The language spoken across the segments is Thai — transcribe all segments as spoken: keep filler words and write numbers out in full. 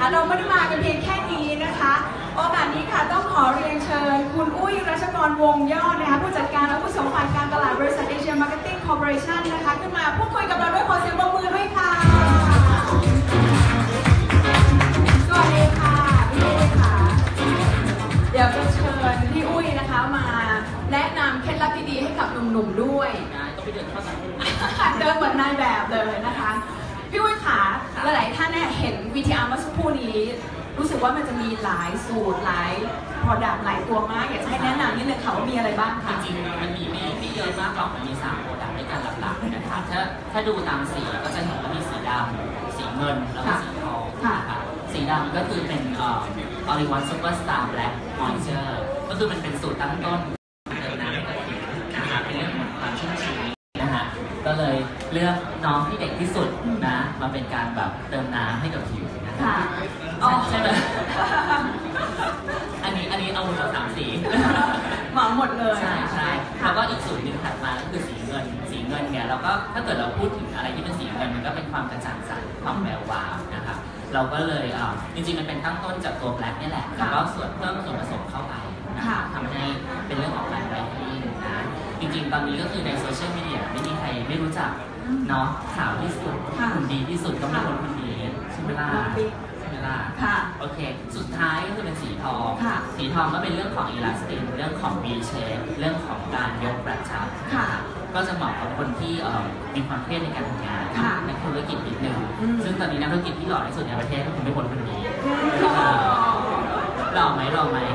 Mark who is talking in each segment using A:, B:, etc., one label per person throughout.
A: นะคะเราไม่ได้มากันเพียงแค่นี้นะคะโอกาสนี้ค่ะต้องขอเรียนเชิญคุณอุ้ยรัชกรวงยอดนะคะผู้จัดการอาวุโสฝ่ายการตลาดบริษัทเอเชียมาร์เก็ตติ้งคอร์ปอเรชั่นนะคะขึ้นมาพูดคุยกับเราด้วยขอเสียงปรบมือด้วยค่ะสวัสดีค่ะพี่อุ้ยค่ะเดี๋ยวจะเชิญพี่อุ้ยนะคะมาแนะนำเคล็ดลับดีๆให้กับหนุ่มๆด้วยต้องไปเดินเข้ามาเดินเหมือนนายแบบเลยนะคะพี่อุ้ยค่ะหลายๆท่านเนี่ยเห็น วี ที อาร์ เมื่อสักครู่นี้รู้สึกว่ามันจะมีหลายสูตรหลาย product หลายตัวมากอยากจะให้แนะนำนิดนึงค่ะว่ามีอะไรบ้างคะ
B: จริงๆมันมีไม่ไม่เยอะมากหรอกมันมีสาม product ด้วยกันหลักๆนะคะถ้าถ้าดูตามสีก็จะเห็นว่ามีสีดำสีเงินแล้วก็สีทองค่ะสีดำก็คือเป็นเอ่อ All in One Super Star Black Moisture ก็คือมันเป็นสูตรตั้งต้นเติมน้ำให้กับผิวนะคะเป็นเรื่องของความชุ่มชื้นนะคะก็เลยเลือกน้องที่เด็กที่สุดนะมาเป็นการแบบเติมน้ำให้กับผิวนะคะใช่ไหมอันนี้อันนี้เอาหมดสามสี
A: เหมาหมดเลย
B: ใช่ใช่แล้วก็อีกสูตรหนึ่งถัดมาก็คือสีเงินสีเงินเนี่ยเราก็ถ้าเกิดเราพูดถึงอะไรที่เป็นสีเงินมันก็เป็นความกระจ่างใสความแวววาวนะครับเราก็เลยอ่าจริงๆมันเป็นตั้งต้นจากตัวแบล็คนี่แหละแล้วก็ส่วนเพิ่มส่วนผสมเข้าไปนะคะทำให้เป็นเรื่องของการไบรท์นิ่งนะจริงๆตอนนี้ก็คือในโซเชียลมีเดียไม่มีใครไม่รู้จักเนาะขาวที่สุดหุ่นดีที่สุดก็เป็นคนคนนี้ใช่ไหมล่ะค่ะโอเคสุดท้ายก็คือเป็นสีทองสีทองก็เป็นเรื่องของอีลาสตินเรื่องของ V shape เรื่องของการยกกระชับก็จะเหมาะกับคนที่มีความเครียดในการทำงานในธุรกิจนิดนึงซึ่งตอนนี้นักธุรกิจที่หล่อที่สุดในประเทศก็คงไม่พ้นคนนี้หล่อไหมหล่อไหม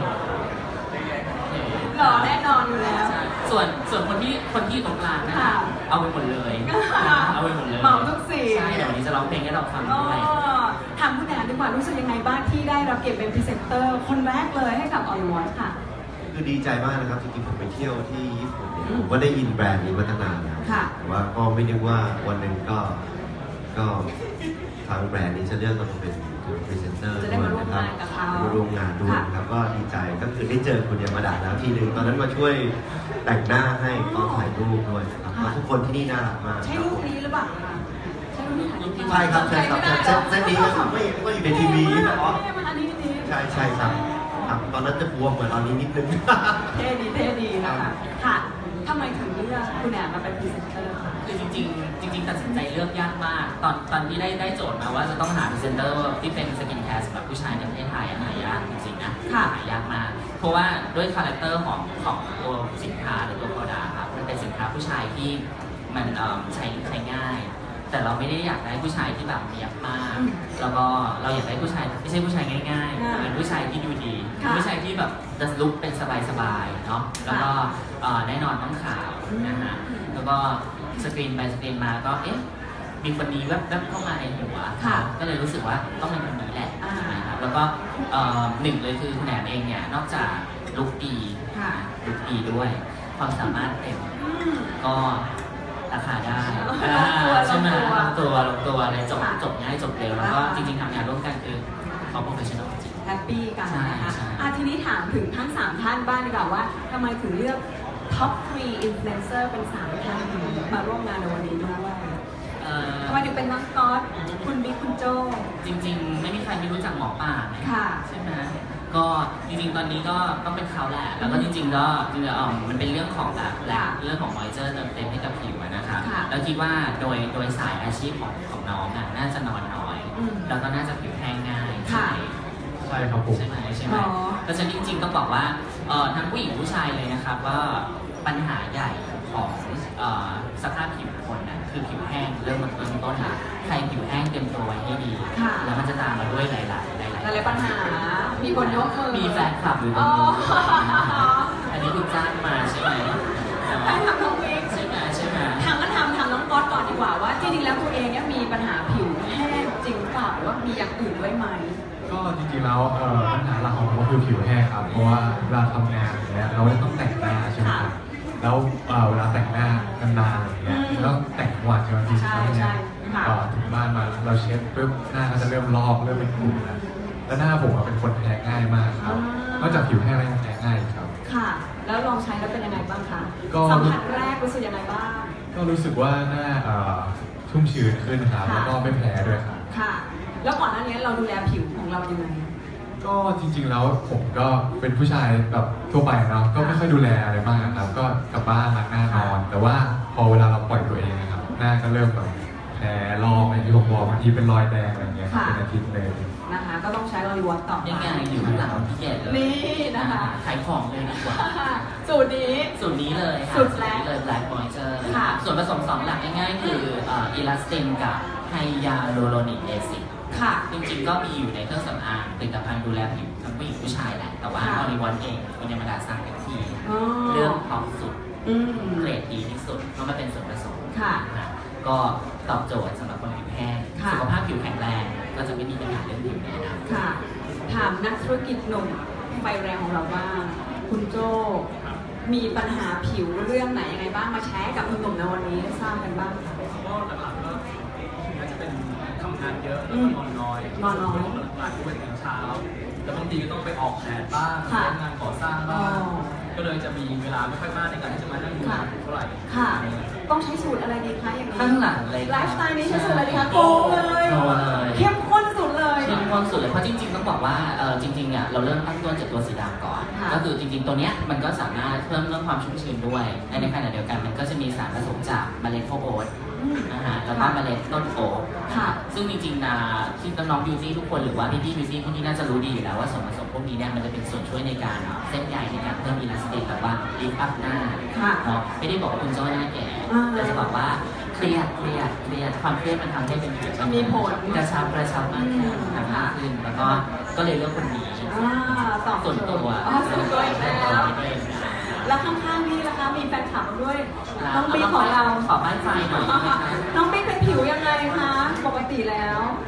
A: หล่อแน่นอนอยู่แล้ว
B: ส่วนส่วนคนที่คนที่ตรงกลางนะคะเอาไปหมดเลยเอาไปหมดเลย
A: เหมาทุกสี
B: ใช่เดี๋ยววันนี้จะร้องเพลงให้เราฟังด้วย
A: ถามคุณแอนดีกว่ารู้สึกยังไงบ้างที่ได้รับเกียรติเป็นพรีเซนเตอร์คนแรกเลยให้กับ All in One ค่ะ
C: คือดีใจมากนะครับจริงๆผมไปเที่ยวที่ญี่ปุ่นเนี่ยผมก็ได้ยินแบรนด์นี้มาตั้งนานแล้วแต่ว่าก็ไม่นึกว่าวันหนึ่งก็ก็ทางแบรนด์นี้จะเลือกเราเป็นพรีเซนเตอร์ด้วยนะครับมาร่วมงานด้วยครับก็ดีใจก็คือได้เจอคุณยามาดะแล้วทีนึงตอนนั้นมาช่วยแต่งหน้าให้ตอนถ่ายรูปด้วยครับทุกคนที่นี่น่ารักมาก
A: ใช่รูปนี้หรือเปล่า
C: ใช่ครับใช่ครับเส้นนี้ครับไม่ก็อยู่ในทีวีนะอ๋อใช่ใช่ครับครับตอนนั้นจะบวมเหมือนตอนนี้นิดนึง
A: เท่ดีเท่ดีนะคะค่ะทำไมถึงเลือกคุณแอนมาเป็นพรีเซนเตอร์คะ
B: คือจริงๆจริงๆตัดสินใจเลือกยากมากตอนตอนที่ได้ได้โจทย์มาว่าจะต้องหาพรีเซนเตอร์ที่เป็นสกินแคร์สำหรับผู้ชายในประเทศไทยหายากจริงๆนะหายากมากเพราะว่าด้วยคาแรคเตอร์ของของตัวสินค้าหรือตัวโปรดักต์ครับมันเป็นสินค้าผู้ชายที่มันใช้ใช้ง่ายแต่เราไม่ได้อยากได้ผู้ชายที่แบบเนียบมากแล้วก็เราอยากได้ผู้ชายไม่ใช่ผู้ชายง่ายๆเป็นผู้ชายที่ดูดีผู้ชายที่แบบจะลุคเป็นสบายๆเนาะแล้วก็แน่นอนต้องขาวนะฮะแล้วก็สกรีนไปสกรีนมาก็เอ๊ะมีคนนี้แวบๆเข้ามาในหัวก็เลยรู้สึกว่าต้องเป็นคนนี้แหละนะครับแล้วก็หนึ่งเลยคือคุณแหนมเองเนี่ยนอกจากลุคดีลุคดีด้วยความสามารถเต็มก็ราคาได้ใช่ไหมลงตัวลงตัวอะไรจบจบง่ายจบเร็วแล้วก็จริงๆทำงานร่วมกันคือเขาโปรเฟชชั่นอลจริง
A: แฮปปี้กันนะคะทีนี้ถามถึงทั้งสามท่านบ้างดีกว่าว่าทำไมถึงเลือกท็อปสามอินฟลูเอนเซอร์เป็นสามท่านมาร่วมงานในวันนี้ด้วยทำไมถึงเป็นน้องก๊อตคุณบิ๊กคุณโจ
B: จริงๆไม่มีใครไม่รู้จักหมอป่าใช่ไหมก็จริงๆตอนนี้ก็ต้องเป็นเขาแหละแล้วก็จริงๆก็จริงๆมันเป็นเรื่องของแบบแหละเรื่องของมอยเจอร์เติมเต็มให้กับผิวนะคะแล้วคิดว่าโดยโดยสายอาชีพของของน้องอ่ะน่าจะนอนน้อยแล้วก็น่าจะผิวแห้งง่ายใช่
C: ใช่ครับผม
B: ใช่ไหมใช่ไหมเพราะฉะนั้นจริงๆต้องบอกว่าทั้งผู้หญิงผู้ชายเลยนะครับว่าปัญหาใหญ่ของสภาพผิวคนนะคือผิวแห้งเริ่มมาต้นต้นละใครผิวแห้งเตรียมตัวไว้ให้ดีแล้วมันจะตามมาด้วยหลายๆหลายๆ
A: หลายปัญหามีคนยกมือ
B: มีแฟนคลับอยู่ตรงนี้อันนี้คุณจ้างมาใช่ไหม
A: ใช่ทำน้องเอง
B: ใช่ไหมใช่ไหม
A: ทางก็ทำทำน้องก๊อตก่อนดีกว่าว่าจริงๆแล้วตัวเองเนี่ยมีปัญหาผิวแห้งจริงเปล่าหรือว่ามีอย่างอื่นด้วยไหม
D: ก็จริงๆแล้วปัญหาหลักของผมก็คือผิวแห้งครับเพราะว่าเวลาทำงานอย่างเงี้ยเราต้องแต่งหน้าใช่ไหมครับแล้วเวลาแต่งหน้านานๆอย่างเงี้ยแล้วแต่งวันใช่ไหมพี่ใช่ใช่ก็ถึงบ้านมาเราเช็ดปุ๊บหน้าก็จะเริ่มลอกเริ่มเป็นขุ่นแล้วแล้วหน้าผมเป็นคนแพ้ง่ายมากครับนอกจากผิวแห้งแล้วยังแพ้ง่ายครับ
A: ค่ะแล้วลองใช้แล้วเป็นยังไงบ้างคะสัมผัสแรกรู้สึกยังไงบ้าง
D: ก็รู้สึกว่าหน้าชุ่มชื้นขึ้นครับแล้วก็ไม่แพ้ด้วยครับ
A: ค่ะแล้วก่อนหน้านี้เราดูแลผิวของเรายังไง
D: ก็จริงๆแล้วผมก็เป็นผู้ชายแบบทั่วไปเนาะก็ไม่ค่อยดูแลอะไรมากนะครับก็กลับบ้านล้างหน้านอน แต่ว่าพอเวลาเราปล่อยตัวเองนะครับหน้าก็เริ่มแบบแผลลอกอย่างที่ผมบอกบางทีเป็นรอยแดงอะไรเงี้ยเป็นอาทิตย์เลย
A: นะคะก็ต้องใช้ลอรีวอตต่อ
B: ยังไงอยู่ข้างหลังพี่แก่เลย
A: นี่นะคะ
B: ขายของเลยดีกว่า
A: สูตรนี้
B: สูตรนี้เลยค่ะ
A: สูตรแรก
B: เลย Black Moisture
A: ค่ะ
B: ส่วนผสมสองหลักง่ายๆคืออิลาสตินกับไฮยาลูโรนิกแอซิด
A: ค่ะ
B: จริงๆก็มีอยู่ในเครื่องสำอางผลิตภัณฑ์ดูแลผิวทั้งผู้หญิงผู้ชายแหละ แต่ว่า
A: ค่ะ
B: ออริวอนเองคุณยามาดาสร้างกันที่
A: อ๋อ
B: เรื่องท็อปสุด
A: อืม
B: เกรดดีที่สุดเพราะมันเป็นส่วนผสม
A: ค่ะ
B: นะก็ตอบโจทย์สำหรับคนผิวแห้ง
A: ค่ะ
B: สุขภาพผิวแข็งแรงก็จะไม่มีปัญหาเรื่องผิวแน่นอน
A: ค่ะ ถามนักธุรกิจหนุ่มไฟแรงของเราบ้าง คุณโจมีปัญหาผิวเรื่องไหนยังไงบ้างมาแชร์กับหนุ่มๆในวันนี้ทราบกันบ้างค่ะ
E: ก็หลักๆก็น่าจะเป็นทำงานเยอะ
A: อื
E: แล้ว
A: ม
E: ก็นอนน้อย
A: นอนน้อย
E: หลักๆก็เป็นตื่นเช้าแล้วบางทีก็ต้องไปออกแดดบ้าง
A: ค่ะ
E: เล่นงานก่อสร้างบ้าง
A: อ๋อ
E: ก็เลยจะมีเวลาไม่ค่อยมากในการที่จะมานั่งดู
A: ค่ะ
E: เท่าไหร่
A: ค่ะ ต้องใช้สูตรอะไรดีคะอย่างนี้
B: ข้างหลังเลย
A: ไลฟ์สไตล์นี้ใช้สูตรอะไรดีคะโกงเลย
B: โกงเลย
A: เข้มข้นสุดเลย
B: เข้มข้นสุดเลยเพราะจริงๆต้องบอกว่าเออจริงๆเนี่ยเราเริ่มตั้งต้นจากตัวสีดำก่อน
A: ค่ะ
B: ก็คือจริงๆตัวเนี้ยมันก็สามารถเพิ่มเรื่องความชุ่มชื้นด้วยและในขณะเดียวกันมันก็จะมีสารผสมจากเมล็ดข้าวโอ๊ต
A: อืม
B: นะฮะแล้วก็เมล็ดต้นโอ๊ต
A: ค่ะ
B: ซึ่งจริงๆนะที่น้องๆบิวตี้ทุกคนหรือว่าพี่ๆบิวตี้พวกนี้น่าจะรู้ดีอยู่แล้วว่าส่วนผสมพวกนี้เนี่ยมันจะเป็นส่วนช่วยในการเส้นใยในการเพิ่มอิลาสติกแบบว่าลิฟต์อัพหน้า
A: ค่ะ
B: เนาะไม่ได้บอกว่าคุณโจ้หน้าแก่
A: อ่า
B: แต่จะบอกว่าเครียดเครียดเครียดความเครียดมันทำให้เป็นผิว
A: มีผล
B: กระชับกระชับมากขึ้น
A: อืม
B: ทำมากขึ้นแล้วก็ก็เลยเลือกคนนี้
A: อ่าตอบ
B: ส่วนตัว
A: อ๋อส่วนตัวอีกแล้ว แล้วข้างๆนี่นะคะมีแฟนคลับด้วย น้องบิ๊กของเรา
B: ขอบ้านไฟหน่อยได้ไหมคะ
A: น้องบิ๊กเป็นผิวยังไงคะ ปกติแล้ว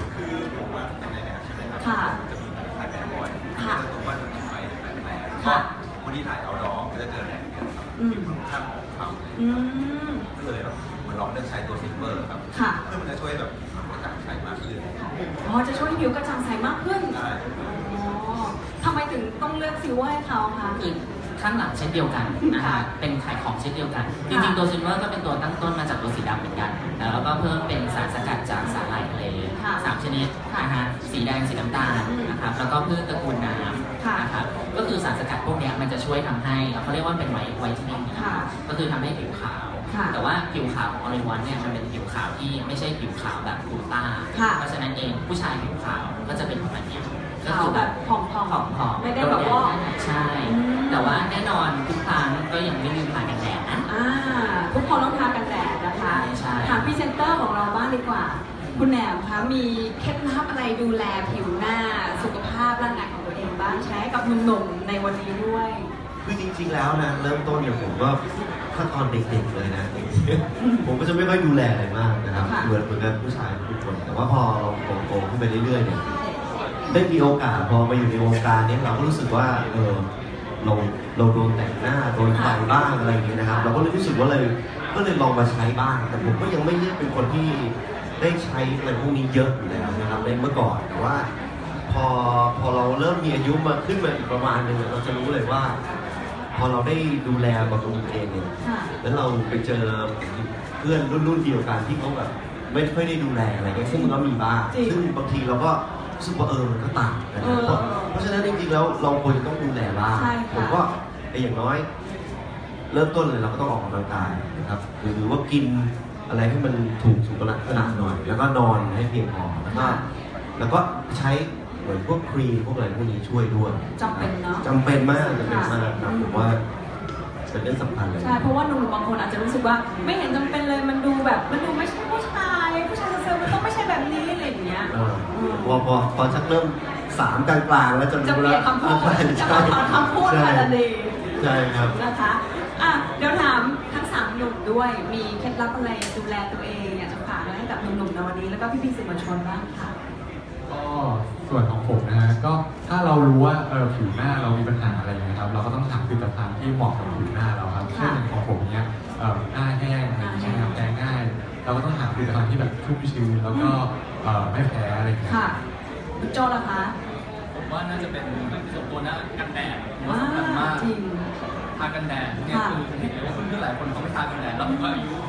A: ค่ะ ค่ะ ค่ะ
F: วันนี้ถ่ายเอาดองก็จะเจอแดดเยอะครับ
A: อืม
F: ผิวค่อนข้างขาว
A: อืม
F: ก็เลยแบบเหมันลองเลือกใช้ตัวซิลเวอร์ครับ
A: ค่ะ
F: เพื่อมันจะช่วยแบบกระจ่างใสมากขึ้น
A: อ๋อ จะช่วยให้ผิวกระจ่างใสมากขึ้น
F: ใช่
A: อ๋อทำไมถึงต้องเลือกซิลเวอร์ให้เขาคะ
B: คือข้างหลังเช่นเดียวกันนะฮะเป็นขายของเช่นเดียวกัน จริงๆตัวซิลเวอร์ก็เป็นตัวตั้งต้นมาจากตัวสีดำเหมือนกันแล้วก็เพิ่มเป็นสารสกัดจากสาหร่ายทะเล
A: ค่ะ
B: สามชนิดนะฮะสีแดงสีน้ำตาลนะครับแล้วก็พืชตระกูลน้ำ
A: ค่ะ
B: นะครับก็คือสารสกัดพวกเนี้ยมันจะช่วยทำให้เขาเรียกว่าเป็นไวท์ไวท์เทนนิ่ง
A: ค่ะ
B: ก็คือทำให้ผิวขาว
A: ค่ะ
B: แต่ว่าผิวขาวของออริวันเนี่ยมันเป็นผิวขาวที่ไม่ใช่ผิวขาวแบบกลูต้า
A: ค่ะ
B: เพราะฉะนั้นเองผู้ชายผิวขาวก็จะเป็นประมาณเนี้ยก็
A: ขาว
B: คือ
A: แบ
B: แบบ บ
A: ผอมๆ
B: ผอมๆ
A: ไม่ได้แบบว่า
B: ใช่
A: อืม
B: แต่ว่าแน่นอนทุกครั้งก็ยังไม่ลืมทากันแดดนะ
A: อ่า ทุกคนต้องทากันแดดนะคะ
B: ใช่
A: ถามพรีเซนเตอร์ของเราบ้างดีกว่า คุณแหนมคะมีเคล็ดลับอะไรดูแลผิวหน้า สุขภาพร่างกายของตัวเองบ้างใช้กับหนุ่มๆในวันนี้ด้วย
C: คือจริงๆแล้วนะเริ่มต้นเนี่ยผมก็ถ้าตอนเด็กๆเลยนะ ผมก็จะไม่ค่อยดูแลอะไรมากนะครับ
A: ค่ะ
C: เหมือนเหมือนกับผู้ชายทุกคน แต่ว่าพอเราโตๆขึ้นไปเรื่อยๆเนี่ยได้มีโอกาสพอมาอยู่ในวงการเนี้เราก็รู้สึกว่าเออเราเราโดนแต่งหน้าโดนไฟบ้างอะไรอย่างเงี้ยนะครับ เราก็เลยรู้สึกว่าเลยก็เลยลองมาใช้บ้าง แต่ผมก็ยังไม่ได้เป็นคนที่ได้ใช้อะไรพวกนี้เยอะอยู่แล้วนะครับในเมื่อก่อนแต่ว่า พอพอเราเริ่มมีอายุมาขึ้นมาอีกประมาณหนึงเนี่ยเราจะรู้เลยว่า พอเราได้ดูแลบำรุงตัวเองเนี่ย
A: ค่ะ
C: แล้วเราไปเจอเพื่อนรุ่นรุ่นเดียวกันที่เขาแบบไม่ค่อยได้ดูแลอะไรเงี้ยซึ่งมันก็มีบ้าง
A: จริง
C: ซึ่งบางทีเราก็รู้สึกว่าเออมันก็ต่างกัน
A: เอ
C: นะ
A: อ
C: เพราะเพราะฉะนั้นจริงๆแล้วเราควรจะต้องดูแลบ้าง
A: ใช่ค่ะ
C: ผมก็ไอ้อย่างน้อย เริ่มต้นเลยเราก็ต้องออกกำลังกายนะครับหรือว่ากินอะไรให้มันถูกสุขลักษณะหน่อย แล้วก็นอนให้เพียงพอแล้วก็แล้วก็ใช้เหมือนพวกครีมพวกอะไรพวกนี้ช่วยด้วย
A: จำเป็นเนาะ
C: จำเป็นมากจำเป็นมากครับ
A: ค่ะ
C: ผมว่าเป็นเรื่องสำคัญเลย
A: ใช่ เพราะว่าหนุ่มๆบางคนอาจจะรู้สึกว่าไม่เห็นจำเป็นเลย มันดูแบบ มันดูไม่ใช่ผู้ชาย ผู้ชายเซอร์มันต้องไม่ใช่แบบนี้อะไรอย่างเงี้ย
C: เออพอพอพอชักเริ่มสามกลางๆแล้วจะ
A: จะ
C: รู้
A: เปลี่
C: แล้
A: ยนคำพูดจะมาถอนคำพูด
C: ใช่
A: มาทันที
C: ใช่ครับ
A: นะคะ อ่ะ เดี๋ยวถามทั้งสามหนุ่มด้วย มีเคล็ดลับอะไรดูแลตัวเองอยากจะฝากอะไรให้กับหนุ่มๆในวันนี้ แล้วก็พี่ๆสื่อมวลชนบ้างค่ะ
D: ก็ส่วนของผมนะฮะก็ถ้าเรารู้ว่าเออผิวหน้าเรามีปัญหาอะไรอย่างเงี้ยครับเราก็ต้องหาผลิตภัณฑ์ที่เหมาะกับผิวหน้าเราครับเช่นอย่างของผมเนี้ยเอ่อหน้าแห้งอะไรอย่างเงี้ยครับแพ้ง่าย เราก็ต้องหาผลิตภัณฑ์ที่แบบชุ่มชื้นแล้วก็เอ่อไม่แพ้อะไรอย่างเงี้ย
A: ค่ะคุณโจล่ะคะ
E: ผมว่าน่าจะเป็นส่วนตัวนะกันแดดผมว่า
A: ว้า
E: สำคัญมาก
A: จริง
E: ทากันแดดเนี่ย
A: ค่ะ
E: คือเห็นเลยว่าเพื่อนๆหลายคนเขาไม่ทากันแดดแล้วผมก็อายุ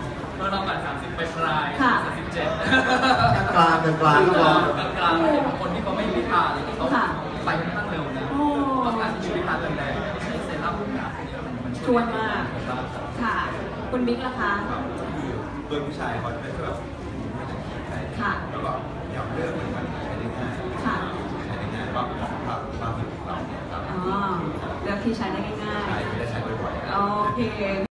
E: มื่อเราแบบสามสิบไปปลาย
A: ค่ะ
E: สามสิบเจ็ด
C: กลางกลางกลางก็พอก
E: ลางๆเห็นบางคนที่เขาไม่ได้ทานเลยที่เขา
A: ค่ะ
E: ไปค่อนข้างเร็วนะ
A: โอ้
E: เพราะการที่ชีวิตทานแรงๆใช้เซรั่มพวกนี้มันมัน
A: ชวนมาก
E: ผมว่า
A: ค่ะ คุณบิ๊กล่ะคะ
F: ครับคือเพื่อนผู้ชายเขาจะเป็นแบบไม่ต้องคิดอะไร
A: ค่ะ
F: แล้วก็อยากเลือกมันมันใช้ได้ง่าย
A: ค่ะ
F: ใช้ได้ง่ายว่าเหมาะกับความผิวของเราเนี่ยครับ
A: อ๋อเลือกที่ใช้ได้ง่าย
F: ใช้ไม่ได้ใช้บ่อยๆ
A: ๆ โอเค